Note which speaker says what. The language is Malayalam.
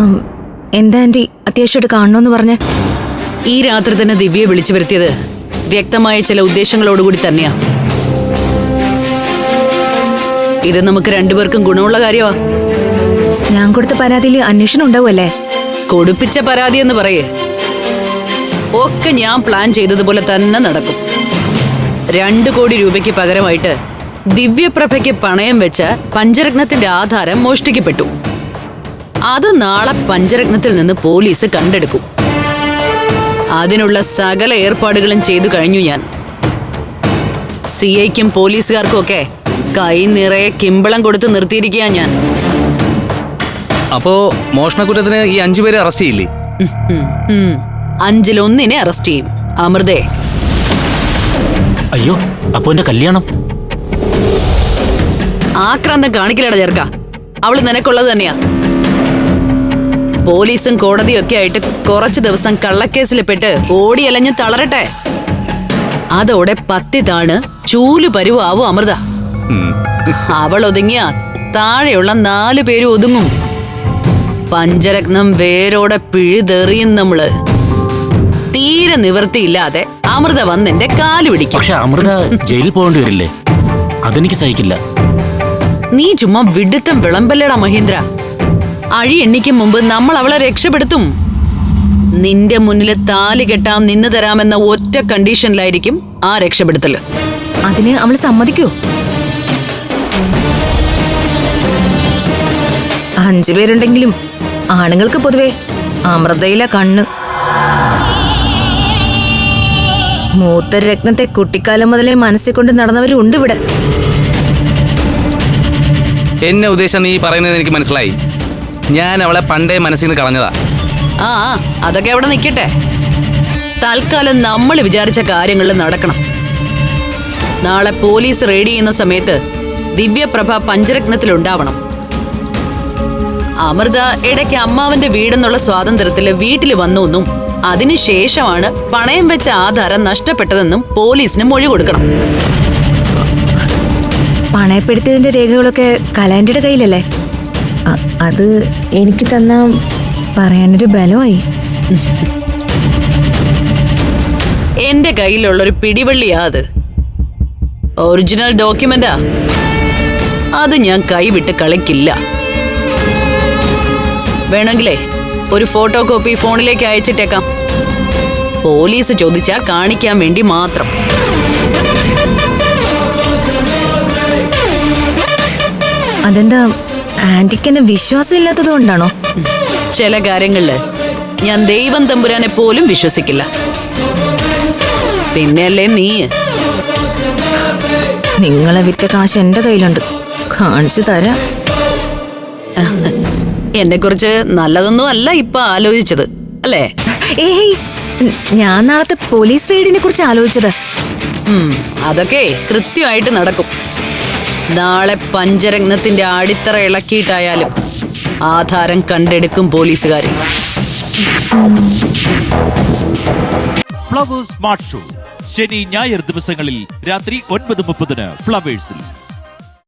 Speaker 1: എന്താ ആന്റി അത്യാവശ്യമായിട്ട് കാണണമെന്ന് പറഞ്ഞ്?
Speaker 2: ഈ രാത്രി തന്നെ ദിവ്യയെ വിളിച്ചു വരുത്തിയത് വ്യക്തമായ ചില ഉദ്ദേശങ്ങളോടുകൂടി തന്നെയാ. ഇത് നമുക്ക് രണ്ടുപേർക്കും ഗുണമുള്ള കാര്യമാ.
Speaker 1: ഞാൻ കൊടുത്ത പരാതിയിൽ അന്വേഷണം ഉണ്ടാവുമല്ലേ?
Speaker 2: കൊടുപ്പിച്ച പരാതി എന്ന് പറയേ, ഒക്കെ ഞാൻ പ്ലാൻ ചെയ്തതുപോലെ തന്നെ നടക്കും. 2 കോടി രൂപയ്ക്ക് പകരമായിട്ട് ദിവ്യപ്രഭയ്ക്ക് പണയം വെച്ച പഞ്ചരത്നത്തിന്റെ ആധാരം മോഷ്ടിക്കപ്പെട്ടു. അത് നാളെ പഞ്ചരത്നത്തിൽ നിന്ന് പോലീസ് കണ്ടെടുക്കും. അതിനുള്ള സകല ഏർപ്പാടുകളും ചെയ്തു കഴിഞ്ഞു ഞാൻ. സിഐക്കും പോലീസുകാർക്കും ഒക്കെ കൈ നിറയെ കിമ്പളം കൊടുത്ത് നിർത്തിയിരിക്കുക ഞാൻ.
Speaker 3: അപ്പോ മോഷണക്കുറ്റത്തിന് ഈ 5 പേരെ അറസ്റ്റ് ചെയ്യില്ലേ?
Speaker 2: 5-ൽ 1 അറസ്റ്റ് ചെയ്യും. അമൃതേ.
Speaker 4: അയ്യോ, അപ്പൊ എന്റെ കല്യാണം?
Speaker 2: ആക്രാന്തം കാണിക്കലട ചേർക്ക. അവള് നിനക്കുള്ളത് തന്നെയാ. പോലീസും കോടതിയും ഒക്കെ ആയിട്ട് കുറച്ചു ദിവസം കള്ളക്കേസിൽ പെട്ട് ഓടിയലഞ്ഞ് തളരട്ടെ. അതോടെ പത്തി താണ് ചൂല് പരുവാവും അമൃത. അവൾ ഒതുങ്ങിയ താഴെയുള്ള 4 പേരും ഒതുങ്ങും. പഞ്ചരത്നം വേരോടെ പിഴുതെറിയും നമ്മള്. തീരെ നിവൃത്തിയില്ലാതെ അമൃത വന്ന് എന്റെ കാല് പിടിക്കും.
Speaker 4: പക്ഷെ അമൃത ജയിലിൽ പോകേണ്ടി വരില്ലേ? അതെനിക്ക് സഹിക്കില്ല.
Speaker 2: നീ ചുമ്മാ വിടുത്തം വിളമ്പല്ലടാ മഹീന്ദ്ര. അഴി എണ്ണിക്കും മുമ്പ് നമ്മൾ അവളെ രക്ഷപ്പെടുത്തും. നിന്റെ മുന്നിൽ താലി കെട്ടാം, നിന്ന് തരാമെന്ന ഒറ്റ കണ്ടീഷനിലായിരിക്കും ആ രക്ഷപ്പെടുത്തല്.
Speaker 1: അതിന് അവള് സമ്മതിക്കൂ? 5 പേരുണ്ടെങ്കിലും ആണുങ്ങൾക്ക് പൊതുവെ അമൃതയിലെ കണ്ണ്. മൂത്ത രത്നത്തെ കുട്ടിക്കാലം മുതലേ മനസ്സിൽ കൊണ്ട് നടന്നവരുണ്ട് ഇവിടെ.
Speaker 3: എന്നെ ഉദ്ദേശം നീ പറയുന്നത് എനിക്ക് മനസ്സിലായി. ഞാൻ അവളെ പണ്ടേ മനസ്സിൽ നിന്ന് കളഞ്ഞതാ.
Speaker 2: ആ, അതൊക്കെ അവിടെ നിൽക്കട്ടെ. തൽക്കാലം നമ്മൾ വിചാരിച്ച കാര്യങ്ങളിൽ നടക്കണം. നാളെ പോലീസ് റെയ്ഡ് ചെയ്യുന്ന സമയത്ത് ദിവ്യപ്രഭ പഞ്ചരത്നത്തിലുണ്ടാവണം. അമൃത ഇടയ്ക്ക് അമ്മാവന്റെ വീടെന്നുള്ള സ്വാതന്ത്ര്യത്തില് വീട്ടിൽ വന്നുവെന്നും അതിനുശേഷമാണ് പണയം വെച്ച ആധാരം നഷ്ടപ്പെട്ടതെന്നും പോലീസിന് മൊഴി കൊടുക്കണം.
Speaker 1: പണയപ്പെടുത്തിയതിന്റെ രേഖകളൊക്കെ കലാൻഡിയുടെ കയ്യിലല്ലേ? അത് എനിക്ക് തന്ന പറയാനൊരു ബലമായി.
Speaker 2: എന്റെ കയ്യിലുള്ളൊരു പിടിവള്ളിയാ അത്. ഒറിജിനൽ ഡോക്യുമെന്റാ. അത് ഞാൻ കൈവിട്ട് കളിക്കില്ല. വേണമെങ്കിലേ ഒരു ഫോട്ടോ കോപ്പി ഫോണിലേക്ക് അയച്ചിട്ടേക്കാം. പോലീസ് ചോദിച്ചാ കാണിക്കാൻ വേണ്ടി മാത്രം.
Speaker 1: അതെന്താ ആന്റിക്ക് എന്നെ വിശ്വാസം ഇല്ലാത്തത് കൊണ്ടാണോ?
Speaker 2: ചില കാര്യങ്ങളില് ഞാൻ ദൈവം തമ്പുരാനെ പോലും വിശ്വസിക്കില്ല. പിന്നെയല്ലേ നീ.
Speaker 1: നിങ്ങളെ വിറ്റ കാശ് എന്റെ കയ്യിലുണ്ട്, കാണിച്ചു തരാം.
Speaker 2: എന്നെ കുറിച്ച് നല്ലതൊന്നും അല്ല ഇപ്പൊ ആലോചിച്ചത് അല്ലേ?
Speaker 1: ഏയ്, ഞാൻ നാളത്തെ പോലീസ് റെയ്ഡിനെ കുറിച്ച് ആലോചിച്ചത്.
Speaker 2: അതൊക്കെ കൃത്യമായിട്ട് നടക്കും. നാളെ പഞ്ചരത്നത്തിന്റെ അടിത്തറ ഇളക്കിയിട്ടായാലും ആധാരം കണ്ടെടുക്കും പോലീസുകാർ.
Speaker 5: ഫ്ലവേഴ്സ് സ്മാർട്ട് ഷോ ശനി ഞായർ ദിവസങ്ങളിൽ രാത്രി 9:30 ഫ്ലവേഴ്സിൽ.